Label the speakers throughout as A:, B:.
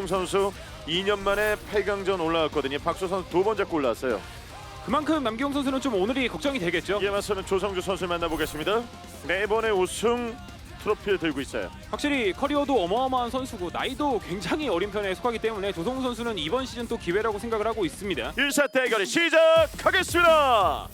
A: 남기용 선수 2년 만에 8강전 올라왔거든요. 박수 선수 두 번 잡고 올라왔어요.
B: 그만큼 남기용 선수는 좀 오늘이 걱정이 되겠죠.
A: 이에 맞서는 조성주 선수 만나보겠습니다. 네 번의 우승 트로피를 들고 있어요.
B: 확실히 커리어도 어마어마한 선수고 나이도 굉장히 어린 편에 속하기 때문에 조성우 선수는 이번 시즌 또 기회라고 생각을 하고 있습니다.
A: 1사 대결이 시작하겠습니다.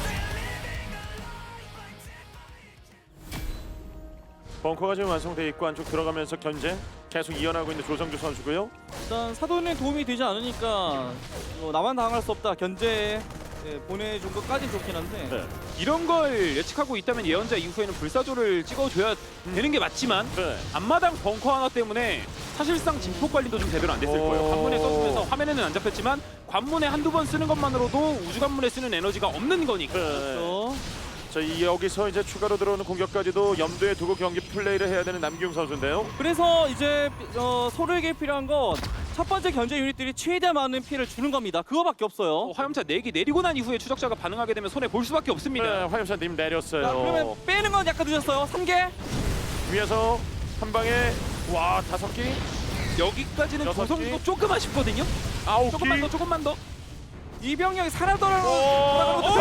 A: 벙커가 지금 완성되어 있고 안쪽 들어가면서 견제 계속 이어나가고 있는 조성주 선수고요.
C: 일단 사돈에 도움이 되지 않으니까 나만 당할 수 없다 견제 보내준 것까진 좋긴 한데
A: 네.
B: 이런 걸 예측하고 있다면 예언자 이후에는 불사조를 찍어줘야 되는 게 맞지만
A: 네.
B: 앞마당 벙커 하나 때문에 사실상 진폭 관리도 좀 제대로 안 됐을 거예요. 관문에 써주면서 화면에는 안 잡혔지만 관문에 한두 번 쓰는 것만으로도 우주 관문에 쓰는 에너지가 없는 거니까.
A: 네.
C: 그렇죠.
A: 자, 여기서 이제 추가로 들어오는 공격까지도 염두에 두고 경기 플레이를 해야 되는 남기용 선수인데요.
C: 그래서 이제 서로에게 필요한 건 첫 번째 견제 유닛들이 최대한 많은 피해를 주는 겁니다. 그거밖에 없어요.
B: 화염차 4기 내리고 난 이후에 추적자가 반응하게 되면 손해 볼 수밖에 없습니다.
A: 네, 화염차님 내렸어요.
C: 자, 그러면 빼는 건 약간 늦었어요. 3개.
A: 위에서 한 방에 와 5기,
B: 여기까지는
A: 여섯
B: 조성도
A: 기.
B: 조금 아쉽거든요.
A: 9기.
B: 조금만 더.
C: 이 병력이 살아돌아오는
A: 오!
C: 오!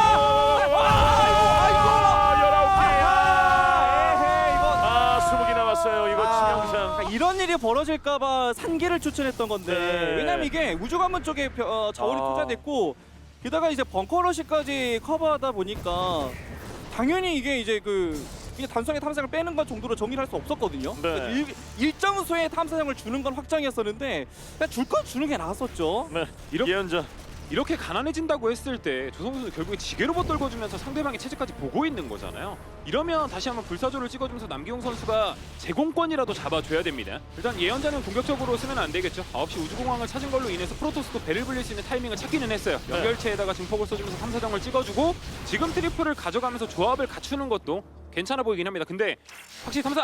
A: 아, 20기 남았어요. 이거 치명상.
C: 이런 일이 벌어질까봐 산계를 추천했던 건데
A: 네.
C: 왜냐면 이게 우주관문 쪽에 자원이 투자됐고 게다가 이제 벙커러시까지 커버하다 보니까 당연히 이게 이제 이게 단순하게 탐사를 빼는 것 정도로 정리를 할 수 없었거든요.
A: 네.
C: 그러니까 일정 수의 탐사정을 주는 건 확정이었었는데 그냥 줄 건 주는 게 나았었죠.
A: 네,
B: 이렇게-
A: 예언자.
B: 이렇게 가난해진다고 했을 때 조성우 선수 결국에 지게로봇 떨궈주면서 상대방의 체제까지 보고 있는 거잖아요. 이러면 다시 한번 불사조를 찍어주면서 남기용 선수가 제공권이라도 잡아줘야 됩니다. 일단 예언자는 공격적으로 쓰면 안 되겠죠. 9시 우주공항을 찾은 걸로 인해서 프로토스도 배를 불릴 수 있는 타이밍을 찾기는 했어요.
A: 네.
B: 연결체에다가 증폭을 써주면서 탐사정을 찍어주고 지금 트리플을 가져가면서 조합을 갖추는 것도 괜찮아 보이긴 합니다. 근데 확실히 탐사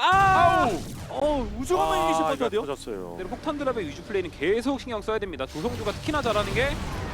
C: 우주관문 이기실 것 같아요.
A: 터졌어요.
B: 폭탄 드랍의 위주 플레이는 계속 신경 써야 됩니다. 조성주가 특히나 잘하는 게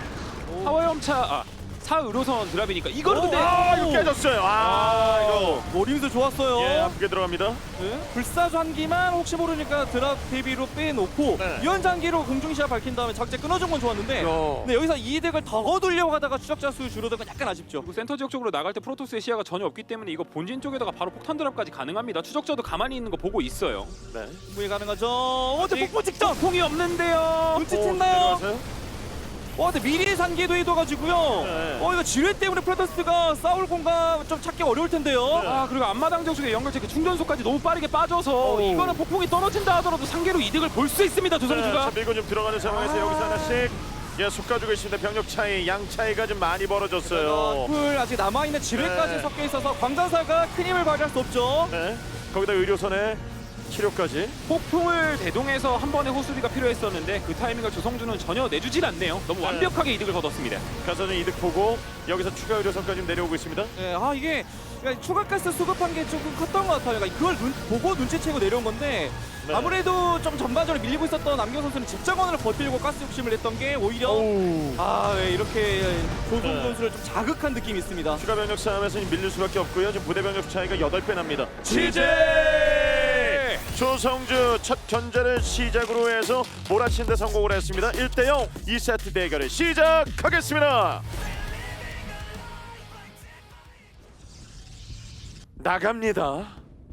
B: 사화염차 사의료선 드랍이니까 이거는 근데
A: 이거 깨졌어요. 이거.
C: 노림수 좋았어요.
A: 예, 아프게 들어갑니다.
C: 네. 불사조 한 기만 혹시 모르니까 드랍 대비로 빼놓고
A: 네.
C: 유연장기로 공중시야 밝힌 다음에 적재 끊어준 건 좋았는데 근데 여기서 이득을 더 얻으려고 하다가 추적자 수 줄어든 건 약간 아쉽죠.
B: 그리고 센터 지역 쪽으로 나갈 때 프로토스의 시야가 전혀 없기 때문에 이거 본진 쪽에다가 바로 폭탄 드랍까지 가능합니다. 추적자도 가만히 있는 거 보고 있어요.
A: 네.
C: 충분히 가능하죠. 근데 폭포 직전!
B: 폭풍이 없는데요.
C: 눈치챘나요?
A: 내려가세요?
C: 근데 미리 산계도 해둬가지고요.
A: 네.
C: 이거 지뢰 때문에 프로토스가 싸울 공간 좀 찾기 어려울 텐데요.
A: 네.
B: 그리고 앞마당 지역 쪽에 연결체 그 충전소까지 너무 빠르게 빠져서
A: 오.
B: 이거는 폭풍이 떨어진다 하더라도 상계로 이득을 볼 수 있습니다.
A: 자,
B: 조성주가.
A: 밀고 좀 들어가는 상황에서 여기서 하나씩 속 가지고 있습니다. 병력 차이, 양 차이가 좀 많이 벌어졌어요.
C: 풀 아직 남아있는 지뢰까지
A: 네.
C: 섞여 있어서 광전사가 큰 힘을 발휘할 수 없죠.
A: 네. 거기다 의료선에 치료까지.
B: 폭풍을 대동해서 한 번의 호수비가 필요했었는데 그 타이밍을 조성주는 전혀 내주질 않네요. 너무
A: 네.
B: 완벽하게 이득을 거뒀습니다.
A: 가서 좀 이득 보고 여기서 추가 의료선까지 좀 내려오고 있습니다.
C: 네, 이게 그러니까 추가 가스 수급한 게 조금 컸던 것 같아요. 그러니까 그걸 보고 눈치채고 내려온 건데
A: 네.
C: 아무래도 좀 전반적으로 밀리고 있었던 남경 선수는 집정원을 버티려고 가스 욕심을 냈던 게 오히려 이렇게 조성
A: 네.
C: 선수를 좀 자극한 느낌이 있습니다.
A: 추가 병력 싸움에서 밀릴 수밖에 없고요. 지금 부대 병력 차이가 8배 납니다. 조성주 첫 견제를 시작으로 해서 몰아치는 데 성공을 했습니다. 1대0 2세트 대결을 시작하겠습니다. 나갑니다.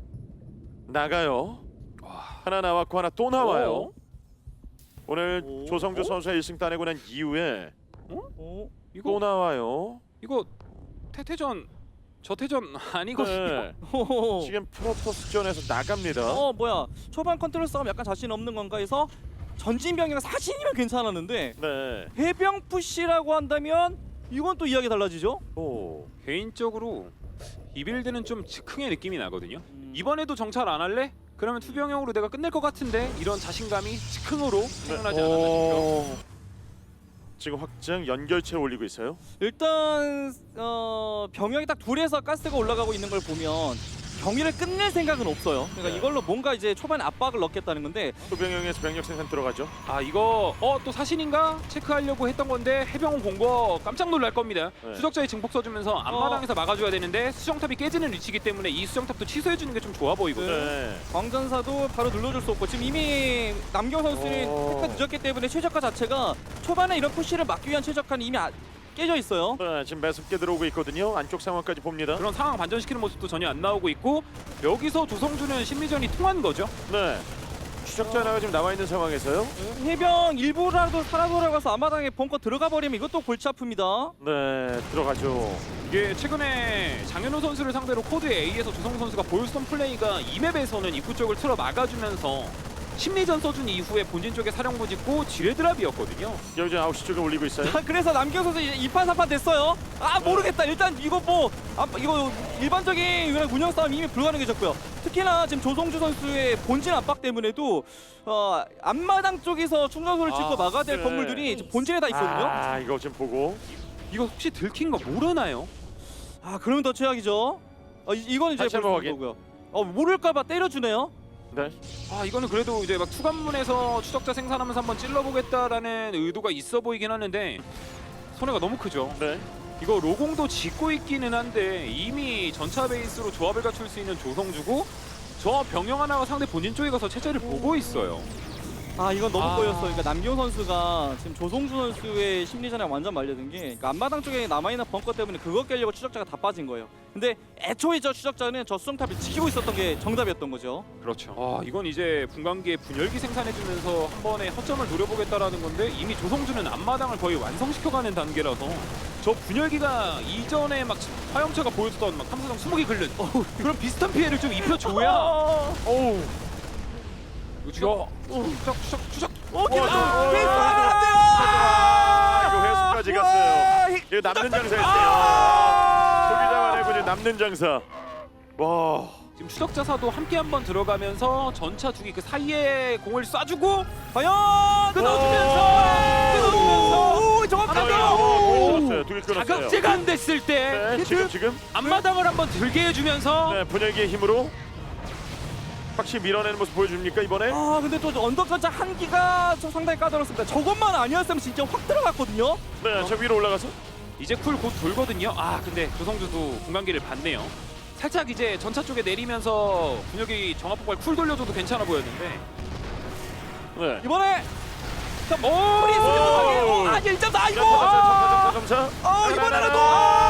A: 나가요. 하나 나왔고 하나 또 나와요. 오늘
C: 오.
A: 조성주 선수가 1승 따내고 난 이후에 또
B: 이거
A: 나와요.
B: 이거 태태전 저태전 아니거든요.
A: 네.
C: 호호호.
A: 지금 프로토스전에서 나갑니다.
C: 뭐야 초반 컨트롤 싸움 약간 자신 없는 건가 해서 전진병이랑 사신이면 괜찮았는데
A: 네.
C: 해병 푸시라고 한다면 이건 또 이야기 달라지죠.
A: 오.
B: 개인적으로 이 빌드는 좀 즉흥의 느낌이 나거든요. 이번에도 정찰 안 할래? 그러면 투병형으로 내가 끝낼 것 같은데 이런 자신감이 즉흥으로 생겨나지 않았나 싶죠.
A: 지금 확장 연결체 올리고 있어요.
C: 일단 병력이 딱 둘에서 가스가 올라가고 있는 걸 보면 경기를 끝낼 생각은 없어요. 그러니까
A: 네.
C: 이걸로 뭔가 이제 초반에 압박을 넣겠다는 건데
A: 소병영에서 병력 생산 들어가죠.
B: 아 이거 또 사신인가 체크하려고 했던 건데 해병원 본 거 깜짝 놀랄 겁니다.
A: 네.
B: 추적자의 증폭 써주면서 앞마당에서 막아줘야 되는데 수정탑이 깨지는 위치이기 때문에 이 수정탑도 취소해주는 게 좀 좋아 보이거든요.
A: 네.
C: 광전사도 바로 눌러줄 수 없고 지금 이미 남경 선수는
A: 오.
C: 테크가 늦었기 때문에 최적화 자체가 초반에 이런 푸시를 막기 위한 최적화는 이미 깨져 있어요.
A: 네, 지금 매섭게 들어오고 있거든요. 안쪽 상황까지 봅니다.
B: 그런 상황 반전시키는 모습도 전혀 안 나오고 있고 여기서 조성주는 심리전이 통한 거죠.
A: 네. 추적자 하나가 지금 나와 있는 상황에서요.
C: 해병 일부라도 살아 돌아가서 앞마당에 벙커 들어가 버리면 이것도 골치 아픕니다.
A: 네, 들어가죠.
B: 이게 최근에 장현우 선수를 상대로 코드 A에서 조성주 선수가 보여줬던 플레이가 이 맵에서는 입구 쪽을 틀어 막아주면서 심리전 써준 이후에 본진 쪽에 사령부 짓고 지뢰드랍이었거든요.
A: 여기 지금 9시 쪽에 올리고 있어요.
C: 자, 그래서 남경 선수 이제 2판 3판 됐어요. 아 모르겠다. 일단 이거 뭐 이거 일반적인 그냥 운영 싸움 이미 불가능해졌고요. 특히나 지금 조성주 선수의 본진 압박 때문에도 앞마당 쪽에서 충전소를 짓고 막아야 될
A: 네.
C: 건물들이 지금 본진에 다 있거든요.
A: 아, 이거 지금 보고.
B: 이거 혹시 들킨 거 모르나요?
C: 아 그러면 더 최악이죠. 이건 이제
A: 다시 한번
C: 벌써
A: 확인.
C: 거고요. 모를까봐 때려주네요.
A: 네.
B: 아 이거는 그래도 이제 막 투관문에서 추적자 생산하면서 한번 찔러보겠다라는 의도가 있어 보이긴 하는데 손해가 너무 크죠.
A: 네.
B: 이거 로공도 짓고 있기는 한데 이미 전차 베이스로 조합을 갖출 수 있는 조성주고 저 병영 하나가 상대 본진 쪽에 가서 체제를 보고 있어요.
C: 아 이건 너무
B: 아.
C: 꼬였어. 그러니까 남경 선수가 지금 조성주 선수의 심리전에 완전 말려든 게 그러니까 앞마당 쪽에 남아있는 벙커 때문에 그거 깨려고 추적자가 다 빠진 거예요. 근데 애초에 저 추적자는 저 수정탑을 지키고 있었던 게 정답이었던 거죠.
B: 그렇죠. 아 이건 이제 분광기에 분열기 생산해주면서 한 번에 허점을 노려보겠다라는 건데 이미 조성주는 앞마당을 거의 완성시켜가는 단계라서 저 분열기가 이전에 막 화염차가 보여줬던 막 탐사정 20개 긁는 그런 비슷한 피해를 좀 입혀줘야
A: 어우.
B: 이거 추적
A: 이거 회수까지 갔어요. 이거 남는 장사였어요. 소기자만 해고 남는 장사. 와.
B: 지금 추적자사도 함께 한번 들어가면서 전차 두기 그 사이에 공을 쏴주고
C: 과연
B: 끊어주면서
A: 끊었어요. 두개 끊었어요.
B: 자극제가 안 됐을 때
A: 네, 지금
B: 앞마당을 한번 들게 해주면서
A: 네, 분열기의 힘으로 확실히 밀어내는 모습 보여줍니까 이번에?
C: 아 근데 또 언덕 전차 한 기가 좀 상당히 까다롭습니다. 저것만 아니었으면 진짜 확 들어갔거든요.
A: 네, 저 위로 올라가서.
B: 이제 쿨 곧 돌거든요. 아 근데 조성주도 공간기를 봤네요. 살짝 이제 전차 쪽에 내리면서 분열기 정합폭발 쿨 돌려줘도 괜찮아 보였는데
A: 네.
C: 이번에
B: 오!
C: 아 1.4 이거
A: 점차.
C: 이번에라도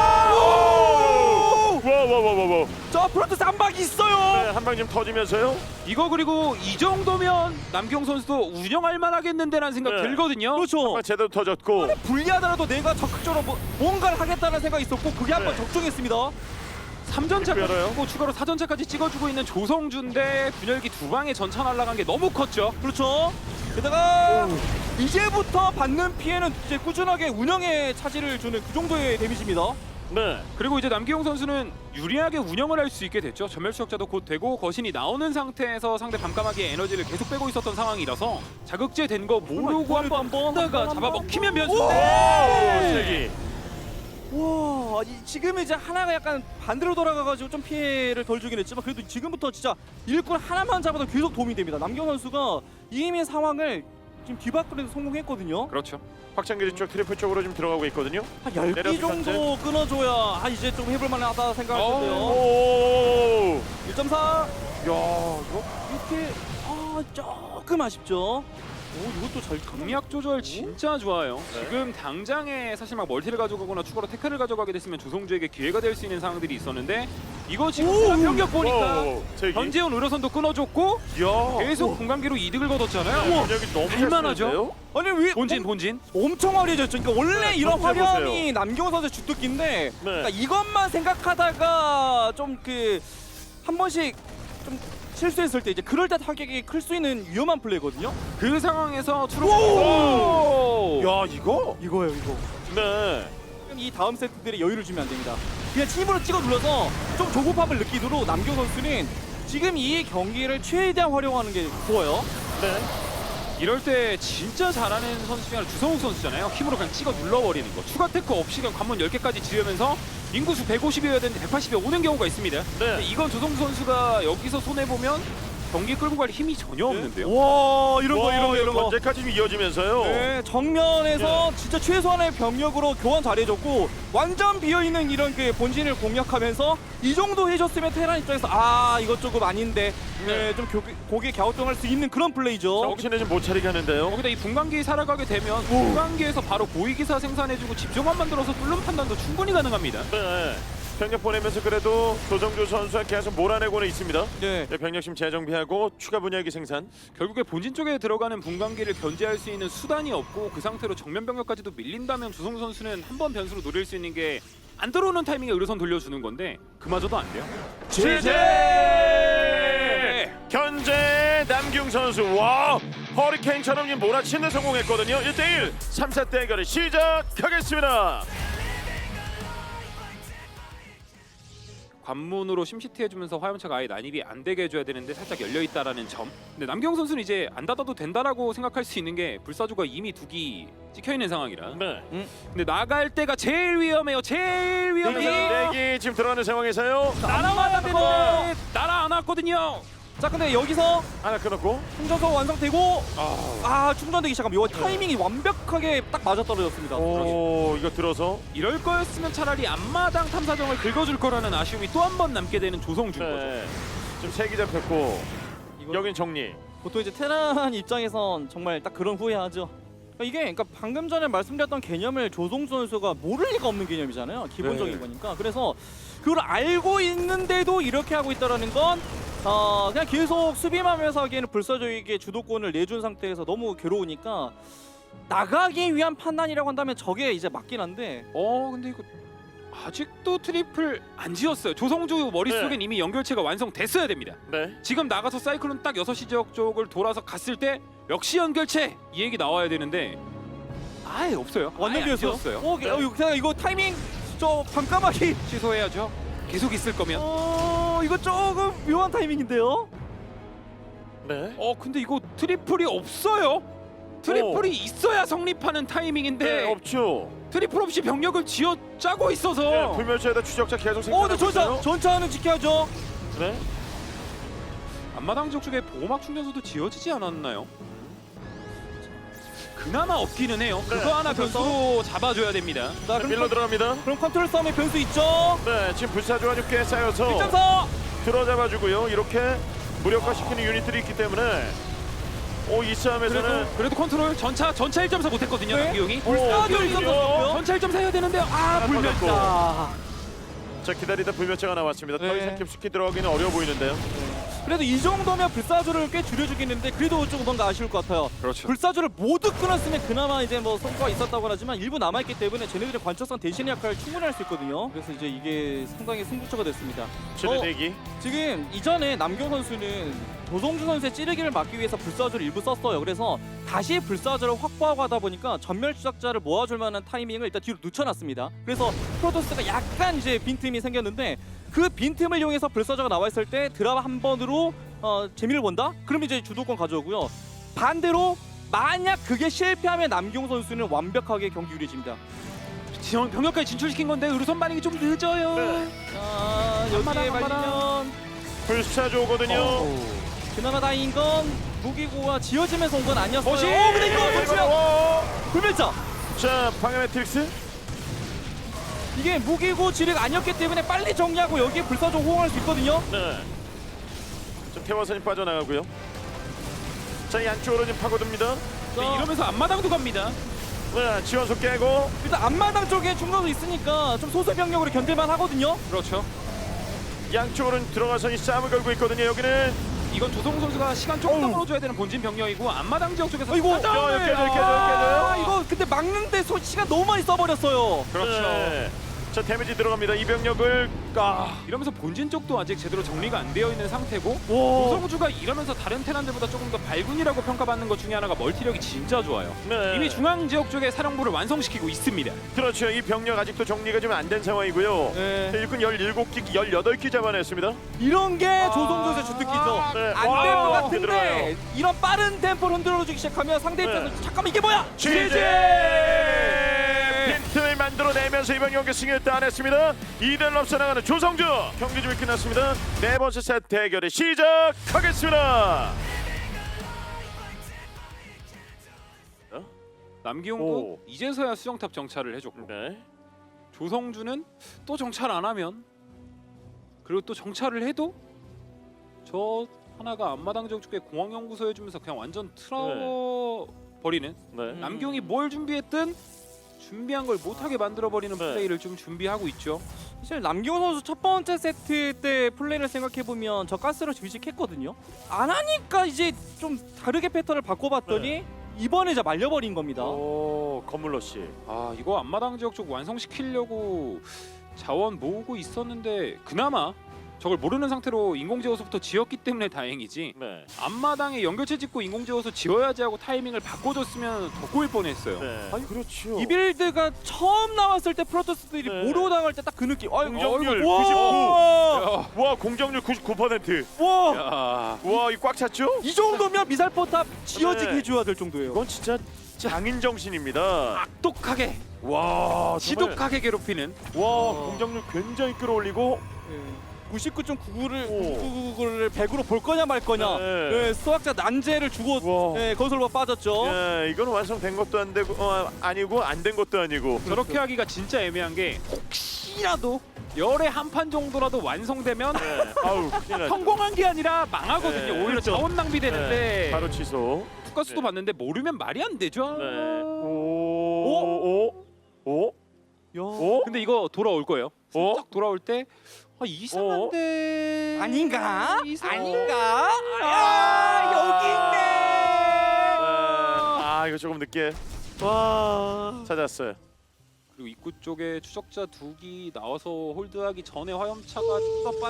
A: 와와와와와.
C: 저 프론트 쌈박이 있어요.
A: 네, 한 방 좀 터지면서요.
B: 이거 그리고 이 정도면 남경 선수도 운영할 만하겠는데라는 생각
A: 네.
B: 들거든요.
C: 그렇죠.
A: 한방 제대로 터졌고.
C: 불리하더라도 내가 적극적으로 뭔가를 하겠다는 생각이 있었고 그게 한번
A: 네.
C: 적중했습니다.
B: 3전차까지
A: 열어요.
B: 찍고 추가로 4전차까지 찍어주고 있는 조성주인데 분열기 두 방에 전차 날아간 게 너무 컸죠.
C: 그렇죠. 게다가 이제부터 받는 피해는 이제 꾸준하게 운영에 차질을 주는 그 정도의 데미지입니다.
A: 네.
B: 그리고 이제 남기용 선수는 유리하게 운영을 할 수 있게 됐죠. 전멸 추적자도 곧 되고 거신이 나오는 상태에서 상대 밤까마귀의 에너지를 계속 빼고 있었던 상황이라서 자극제 된 거 모르고 한번 하다가 잡아먹히면 변수인데
A: 세기.
C: 와, 지금 이제 하나가 약간 반대로 돌아가가지고 좀 피해를 덜 주긴 했지만 그래도 지금부터 진짜 일꾼 하나만 잡아도 계속 도움이 됩니다. 남경 선수가 이미 상황을 지금 뒤바꾸는데 성공했거든요.
B: 그렇죠.
A: 확장기지 쪽 트리플 쪽으로 지금 들어가고 있거든요.
C: 한 10기
A: 내려서
C: 정도 끊어줘야 이제 좀 해볼 만하다 생각할 텐데요.
A: 오.
C: 1.4.
A: 야, 이거
C: 이렇게 조금 아쉽죠. 이것도 잘
B: 강약 조절 진짜 좋아요. 지금 당장에 사실 막 멀티를 가져가거나 추가로 태클을 가져가게 됐으면 조성주에게 기회가 될 수 있는 상황들이 있었는데 이거 지금 병력 보니까
A: 세기.
B: 현재훈 의료선도 끊어줬고
A: 야.
B: 계속 공간기로 이득을 거뒀잖아요.
A: 분열기 너무
B: 할만하죠?
C: 아니 왜
B: 본진.
C: 엄청 화려해졌죠. 그러니까 원래
A: 네,
C: 이런
A: 전체
C: 화려함이
A: 보세요.
C: 남경호 선수의 주특기인데 그러니까
A: 네.
C: 이것만 생각하다가 좀 한 번씩 좀 실수했을 때 이제 그럴 때 타격이 클 수 있는 위험한 플레이거든요.
B: 그 상황에서
A: 오!
B: 추로
A: 야, 이거?
C: 이거예요, 이거.
A: 네.
C: 이 다음 세트들의 여유를 주면 안 됩니다. 그냥 팀으로 찍어 눌러서 좀 조급함을 느끼도록 남경 선수는 지금 이 경기를 최대한 활용하는 게 좋아요.
A: 네.
B: 이럴 때 진짜 잘하는 선수 중에 하나 주성욱 선수잖아요. 힘으로 그냥 찍어 눌러버리는 거. 추가 테크 없이 그냥 관문 10개까지 지으면서 인구수 150이어야 되는데 180이 오는 경우가 있습니다. 근데 이건 조성주 선수가 여기서 손해 보면 경기 끌고 갈 힘이 전혀 없는데요.
C: 와 이런 거.
A: 언제까지 이어지면서요.
C: 네, 정면에서 진짜 최소한의 병력으로 교환 잘해줬고 완전 비어있는 이런 그 본진을 공략하면서 이 정도 해줬으면 테란 입장에서 아 이것 조금 아닌데 좀 고개 갸우뚱할 수 있는 그런 플레이죠.
A: 정신을 좀 못 차리게 하는데요.
B: 거기다 이 분광기 살아가게 되면 분광기에서 바로 고위기사 생산해주고 집중만 만들어서 뚫는 판단도 충분히 가능합니다.
A: 네. 병력 보내면서 그래도 조성주 선수가 계속 몰아내고는 있습니다.
C: 네.
A: 네, 병력심 재정비하고 추가 분야기 생산.
B: 결국에 본진 쪽에 들어가는 분광기를 견제할 수 있는 수단이 없고 그 상태로 정면 병력까지도 밀린다면 조성주 선수는 한 번 변수로 노릴 수 있는 게 안 들어오는 타이밍에 의료선 돌려주는 건데 그마저도 안 돼요.
A: 제재! 견제 남경 선수 와 허리케인처럼 몰아치는 성공했거든요. 1대1 3세 대결을 시작하겠습니다.
B: 관문으로 심시티 해주면서 화염차가 아예 난입이 안 되게 해줘야 되는데 살짝 열려있다라는 점. 근데 남경 선수는 이제 안 닫아도 된다라고 생각할 수 있는 게 불사조가 이미 2기 찍혀있는 상황이라.
A: 네.
B: 근데 나갈 때가 제일 위험해요. 제일 위험해요.
A: 내기 지금 들어가는 상황에서요.
B: 날아와야 되는데 날아 안 왔거든요.
C: 자 근데 여기서
A: 하나 끊었고.
C: 충전소 완성되고 충전되기 시작하면 이 타이밍이 완벽하게 딱 맞아떨어졌습니다.
A: 오 이거 들어서.
B: 이럴 거였으면 차라리 앞마당 탐사정을 긁어줄 거라는 아쉬움이 또 한 번 남게 되는 조성주인 거죠.
A: 네. 지금 3기 잡혔고 여긴 정리.
C: 보통 이제 테란 입장에선 정말 딱 그런 후회하죠. 그러니까 방금 전에 말씀드렸던 개념을 조성주 선수가 모를 리가 없는 개념이잖아요. 기본적인
A: 네.
C: 거니까. 그래서 그걸 알고 있는데도 이렇게 하고 있다라는 건 그냥 계속 수비만 하면서 하기에는 불사조에게 주도권을 내준 상태에서 너무 괴로우니까 나가기 위한 판단이라고 한다면 저게 이제 맞긴 한데
B: 근데 이거 아직도 트리플 안 지었어요. 조성주 머릿속엔 이미 연결체가 완성됐어야 됩니다.
A: 네.
B: 지금 나가서 사이클론 딱 6시 지역 쪽을 돌아서 갔을 때 역시 연결체 이 얘기 나와야 되는데 아예 없어요.
C: 완전
B: 아예 안
C: 비었어요.
B: 지었어요.
C: 그냥 이거 타이밍 저 반까마귀
B: 취소해야죠. 계속 있을 거면.
C: 이거 조금 묘한 타이밍인데요.
A: 네.
B: 근데 이거 트리플이 없어요. 트리플이 있어야 성립하는 타이밍인데
A: 네 없죠.
B: 트리플 없이 병력을 지어 짜고 있어서
A: 네, 불멸자에다 추적자 계속 생산하고
C: 근데
A: 있어요.
C: 전차는 지켜야죠.
A: 네.
B: 앞마당 지역 쪽에 보호막 충전소도 지어지지 않았나요? 그나마 없기는 해요.
A: 네,
B: 그거 하나 변수로 잡아줘야 됩니다.
C: 자,
A: 네, 밀러 들어갑니다.
C: 그럼 컨트롤 싸움의 변수 있죠.
A: 네, 지금 불사조가 꽤 쌓여서
C: 1.4.
A: 들어잡아주고요. 이렇게 무력화시키는 유닛들이 있기 때문에 이 싸움에서는
B: 그래도 컨트롤 전차 1.4 못했거든요.
C: 네?
B: 남기용이.
C: 불사조 1.4였고요.
B: 전차 1.4 해야 되는데 불멸자.
A: 자 기다리다 불멸자가 나왔습니다. 더
C: 네.
A: 이상 깊숙이 들어가기는 어려워 보이는데요.
C: 그래도 이 정도면 불사조를 꽤 줄여주긴 했는데 그래도 좀 뭔가 아쉬울 것 같아요.
B: 그렇죠.
C: 불사조를 모두 끊었으면 그나마 이제 뭐 성과가 있었다고 하지만 일부 남아있기 때문에 쟤네들의 관측성 대신의 역할을 충분히 할 수 있거든요. 그래서 이제 이게 상당히 승부처가 됐습니다.
A: 최대 대기.
C: 지금 이전에 남경 선수는 조성주 선수의 찌르기를 막기 위해서 불사조를 일부 썼어요. 그래서 다시 불사조를 확보하고 하다 보니까 전멸 추적자를 모아줄 만한 타이밍을 일단 뒤로 늦춰놨습니다. 그래서 프로토스가 약간 이제 빈틈이 생겼는데 그 빈틈을 이용해서 불사조가 나와 있을 때 드랍 한 번으로 재미를 본다? 그럼 이제 주도권 가져오고요. 반대로 만약 그게 실패하면 남경 선수는 완벽하게 경기 유리해집니다.
B: 병력까지 진출시킨 건데 의료선 반응이 좀 늦어요.
A: 네.
C: 여기에 말리면
A: 불사조거든요.
C: 그나마 다행인 건 무기고가 지어지면서 온 건 아니었어요.
B: 멋이!
C: 근데 이거 좋지요. 불멸자.
A: 자 방해 매트릭스.
C: 이게 무기고 지뢰가 아니었기 때문에 빨리 정리하고 여기에 불사조 호응할 수 있거든요.
A: 네. 좀 태화선이 빠져나가고요. 자 양쪽으로 지금 파고듭니다.
B: 네, 이러면서 앞마당도 갑니다.
A: 네, 지원소 깨고.
C: 일단 앞마당 쪽에 중간도 있으니까 좀 소수 병력으로 견딜만 하거든요.
B: 그렇죠.
A: 양쪽으로 들어가서 이 싸움을 걸고 있거든요. 여기는
B: 이건 조성 선수가 시간 조금 더 벌어줘야 되는 본진 병력이고 앞마당 지역 쪽에서
C: 아이고,
B: 사정을-
A: 깨져요.
C: 이거 근데 막는데 시간 너무 많이 써버렸어요.
B: 그렇죠.
A: 네. 자 데미지 들어갑니다. 이 병력을
B: 이러면서 본진 쪽도 아직 제대로 정리가 안 되어 있는 상태고
C: 오.
B: 조성주가 이러면서 다른 테란들보다 조금 더 발군이라고 평가받는 것 중에 하나가 멀티력이 진짜 좋아요.
A: 네.
B: 이미 중앙 지역 쪽에 사령부를 완성시키고 있습니다.
A: 그렇죠. 이 병력 아직도 정리가 좀 안 된 상황이고요.
C: 네.
A: 일꾼 17기, 18기 잡아냈습니다.
C: 이런 게 조성조의 주특기죠.
A: 네.
C: 안 될 것
A: 와,
C: 같은데
A: 들어가요.
C: 이런 빠른 템포를 흔들어주기 시작하면 상대 입장에서
A: 네.
C: 잠깐만 이게 뭐야?
A: 취재! 빈틈을 만들어 끌어내면서 이번 경기 승리를 따냈습니다. 2대1 앞서 나가는 조성주. 경기 준비 끝났습니다. 네 번째 세트 대결이 시작하겠습니다.
B: 남기용도
A: 오.
B: 이제서야 수정탑 정찰을 해줬고
A: 네.
B: 조성주는 또 정찰 안 하면 그리고 또 정찰을 해도 저 하나가 앞마당 지역 쪽에 공항연구소 해주면서 그냥 완전 틀어 버리는
A: 네.
B: 남기용이 뭘 준비했든 준비한 걸 못하게 만들어버리는
A: 네.
B: 플레이를 좀 준비하고 있죠.
C: 사실 남기호 선수 첫 번째 세트 때 플레이를 생각해 보면 저 가스를 의식했거든요. 안 하니까 이제 좀 다르게 패턴을 바꿔봤더니 이번에 이제 말려버린 겁니다.
A: 오, 건물러 씨.
B: 아 이거 앞마당 지역 쪽 완성시키려고 자원 모으고 있었는데 그나마 저걸 모르는 상태로 인공지어서부터 지었기 때문에 다행이지
A: 네.
B: 앞마당에 연결체 짓고 인공지어서 지어야지 하고 타이밍을 바꿔줬으면 더 꼬일 뻔했어요.
A: 네.
C: 아니,
A: 그렇죠.
C: 이 빌드가 처음 나왔을 때 프로토스들이
A: 네.
C: 모로 당할 때 딱 그 느낌.
A: 공정률
C: 와!
A: 99. 와, 공정률 99%.
C: 와!
B: 야,
A: 와, 이 꽉 찼죠?
C: 이 정도면 미사일 포탑 지어지게
A: 네.
C: 해줘야 될 정도예요.
A: 이건 진짜 장인 정신입니다.
B: 악독하게
A: 와, 정말.
B: 지독하게 괴롭히는
A: 와, 공정률 굉장히 끌어올리고.
C: 99.99를 100으로 볼 거냐 말 거냐.
A: 네.
C: 네, 수학자 난제를 주고
A: 와.
C: 건설로 빠졌죠.
A: 예, 이거는 완성된 것도 안 되고 아니고 안 된 것도 아니고.
B: 저렇게 하기가 진짜 애매한 게 혹시라도 열에 한 판 정도라도 완성되면
A: 네. 아우, 큰일 났죠.
B: 성공한 게 아니라 망하거든요.
A: 네,
B: 오히려
C: 그렇죠.
B: 자원 낭비되는데
A: 네, 바로 취소.
B: 투가스도
A: 네.
B: 봤는데 모르면 말이 안 되죠.
A: 네. 오.
C: 야.
A: 오?
B: 근데 이거 돌아올 거예요.
A: 어?
B: 슬쩍 돌아올 때 이상한데
C: 아닌가?
B: 이상-
C: 아닌가? 아, 여기 있네.
A: 아, 이거 조금 늦게
C: 와.
A: 찾았어요.
B: 그리고 입구 쪽에 추적자 2기 나와서 홀드하기 전에 화염차가 좀 더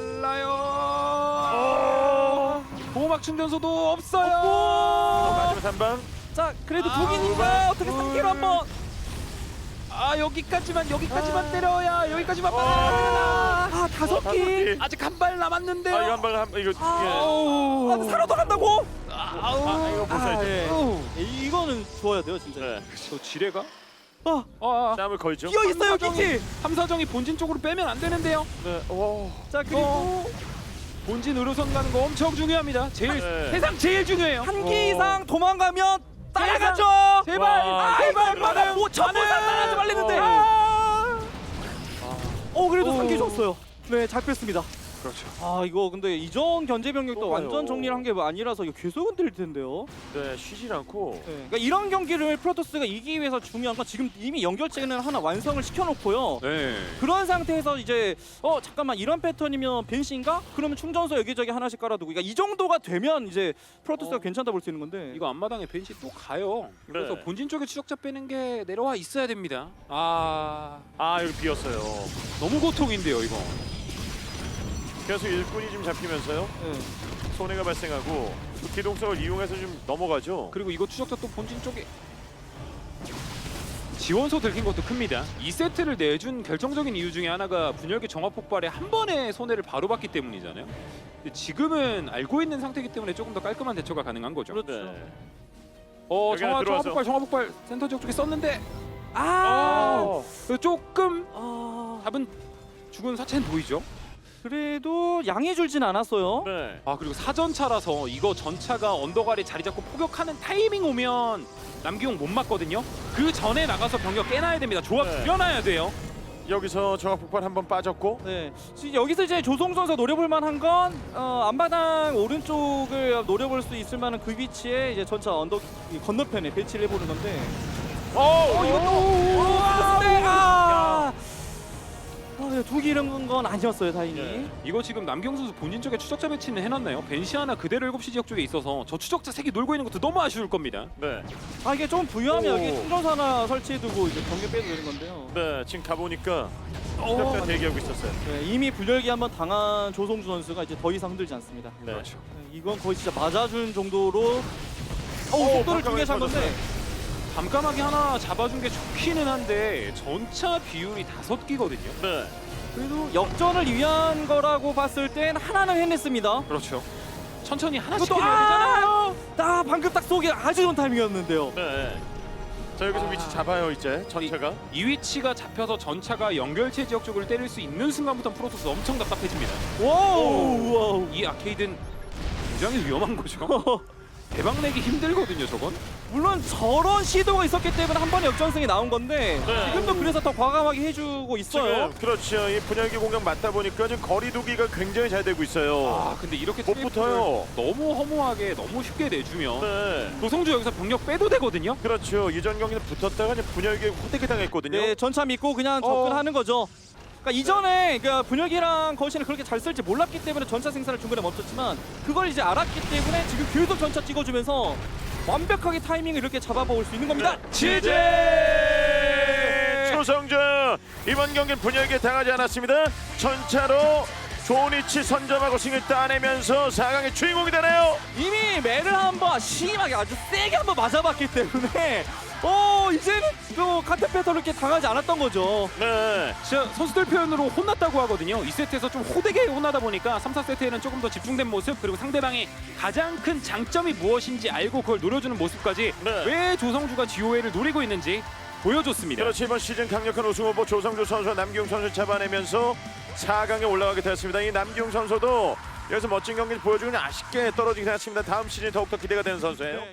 B: 빨라요. 보호막 충전소도 없어요.
A: 마지막 3방.
C: 자, 그래도
B: 아,
C: 독인인가? 어떻게 3개로 한번.
B: 아 여기까지만 때려야 여기까지만
C: 아, 5개.
B: 아직 한 발 남았는데요.
A: 아, 이거 한 방 한 이거
B: 아우.
C: 아, 살아도 간다고?
A: 아, 이거 보세요.
C: 예.
B: 아우.
C: 이거는 좋아야 돼요, 진짜.
A: 네.
B: 저 지뢰가
C: 아,
A: 땀을 걸죠.
C: 끼어 있어요, 기지.
B: 함사정이 본진 쪽으로 빼면 안 되는데요.
A: 네. 오.
C: 자, 그리고
B: 본진 의료선 가는 거 엄청 중요합니다. 제일
A: 네.
B: 세상 제일 중요해요.
C: 한 개 이상 도망가면 따라가죠.
B: 제발,
A: 와.
B: 제발
C: 맞아. 뭐 전부 다 따라가지 말랬는데. 그래도 3개 줬어요. 네, 잡혔습니다.
B: 그렇죠.
C: 아, 이거 근데 이전 견제 병력도
A: 또
C: 완전
A: 가요.
C: 정리를 한 게 아니라서 이거 계속 흔들릴 텐데요.
A: 네, 쉬질 않고.
C: 네, 그러니까 이런 경기를 프로토스가 이기기 위해서 중요한 건 지금 이미 연결체는 하나 완성을 시켜놓고요.
B: 네.
C: 그런 상태에서 이제 잠깐만 이런 패턴이면 벤시인가? 그러면 충전소 여기저기 하나씩 깔아두고 그러니까 이 정도가 되면 이제 프로토스가 괜찮다 볼 수 있는 건데
B: 이거 앞마당에 벤시 또 가요. 그래서
A: 네.
B: 본진 쪽에 추적자 빼는 게 내려와 있어야 됩니다. 아
A: 여기 비었어요.
B: 너무 고통인데요 이거.
A: 계속 일꾼이 좀 잡히면서요.
C: 네.
A: 손해가 발생하고 그 기동성을 이용해서 좀 넘어가죠.
B: 그리고 이거 추적자 또 본진 쪽에 지원소 들킨 것도 큽니다. 2세트를 내준 결정적인 이유 중에 하나가 분열기 정화 폭발에 한 번에 손해를 바로 봤기 때문이잖아요. 근데 지금은 알고 있는 상태이기 때문에 조금 더 깔끔한 대처가 가능한 거죠.
C: 그렇죠.
A: 네. 여기
B: 정화
A: 안에 들어와서.
B: 정화 폭발 센터 지역 쪽에 썼는데
C: 아,
B: 조금
C: 아,
B: 답은 죽은 사체는 보이죠.
C: 그래도 양해 줄진 않았어요.
A: 네.
B: 아 그리고 사전차라서 이거 전차가 언덕 아래 자리 잡고 포격하는 타이밍 오면 남기용 못 맞거든요. 그 전에 나가서 병력 깨놔야 됩니다. 조합
A: 네.
B: 줄여놔야 돼요.
A: 여기서 정확 폭발 한번 빠졌고.
C: 네, 지금 여기서 이제 조성 선수 노려볼 만한 건 앞마당 오른쪽을 노려볼 수 있을 만한 그 위치에 이제 전차 언덕 이 건너편에 배치를 해보는 건데. 두기 이런 건 아니었어요, 다행히.
A: 네.
B: 이거 지금 남기용 선수 본진 쪽에 추적자 배치는 해놨나요? 벤시 하나 그대로 7시 지역 쪽에 있어서 저 추적자 3개 놀고 있는 것도 너무 아쉬울 겁니다.
A: 네.
C: 이게 좀 부유하면
A: 오.
C: 여기 충전소 하나 설치해두고 이제 경계 빼도 되는 건데요.
A: 네. 지금 가보니까 시작자 대기하고 있었어요.
C: 네, 이미 분열기 한번 당한 조성주 선수가 이제 더 이상 흔들지 않습니다.
A: 네.
B: 그렇죠.
C: 네, 이건 거의 진짜 맞아준 정도로 속도를 두개 잡 건데
B: 감감하게 하나 잡아준 게 좋기는 한데 전차 비율이 5기거든요.
A: 네.
C: 그래도 역전을 위한 거라고 봤을 땐 하나는 해냈습니다.
B: 그렇죠. 천천히 하나씩
C: 이것도
B: 해야 되잖아요.
C: 방금 딱 쏘기 아주 좋은 타이밍이었는데요.
A: 네. 자 여기서 위치 잡아요 이제 전체가.
B: 이 위치가 잡혀서 전차가 연결체 지역 쪽을 때릴 수 있는 순간부터 프로토스 엄청 답답해집니다.
C: 와우.
B: 이 아케이드는 굉장히 위험한 거죠. 대박 내기 힘들거든요, 저건.
C: 물론 저런 시도가 있었기 때문에 한 번에 역전승이 나온 건데
A: 네.
C: 지금도 그래서 더 과감하게 해주고 있어요.
A: 지금 그렇죠. 이 분열기 공격 맞다 보니까 지금 거리두기가 굉장히 잘 되고 있어요.
B: 아, 근데 이렇게
A: 못
B: 트리플을
A: 붙어요.
B: 너무 허무하게 너무 쉽게 내주면
A: 네.
B: 조성주 여기서 병력 빼도 되거든요.
A: 그렇죠. 이전 경기는 붙었다가 이제 분열기에 호되게 당했거든요.
C: 네, 전차 믿고 그냥 접근하는 거죠. 그러니까 이전에 분열기랑 거신을 그렇게 잘 쓸지 몰랐기 때문에 전차 생산을 중간에 멈췄지만 그걸 이제 알았기 때문에 지금 계속 전차 찍어주면서 완벽하게 타이밍을 이렇게 잡아먹을 수 있는 겁니다.
A: 취재 조성주 이번 경기는 분열기에 당하지 않았습니다. 전차로 좋은 위치 선점하고 승을 따내면서 4강의 주인공이 되네요.
C: 이미 매를 한번 심하게 아주 세게 한번 맞아봤기 때문에 이제는 또 같은 패턴을 이렇게 당하지 않았던 거죠.
A: 네.
B: 진짜 선수들 표현으로 혼났다고 하거든요. 2세트에서 좀 호되게 혼나다 보니까 3, 4세트에는 조금 더 집중된 모습, 그리고 상대방의 가장 큰 장점이 무엇인지 알고 그걸 노려주는 모습까지
A: 네.
B: 왜 조성주가 GOA를 노리고 있는지 보여줬습니다.
A: 그렇지 이번 시즌 강력한 우승 후보 조성주 선수와 남기웅 선수를 잡아내면서 4강에 올라가게 되었습니다. 이 남기웅 선수도 여기서 멋진 경기를 보여주고 아쉽게 떨어지긴 했습니다. 다음 시즌이 더욱더 기대가 되는 선수예요.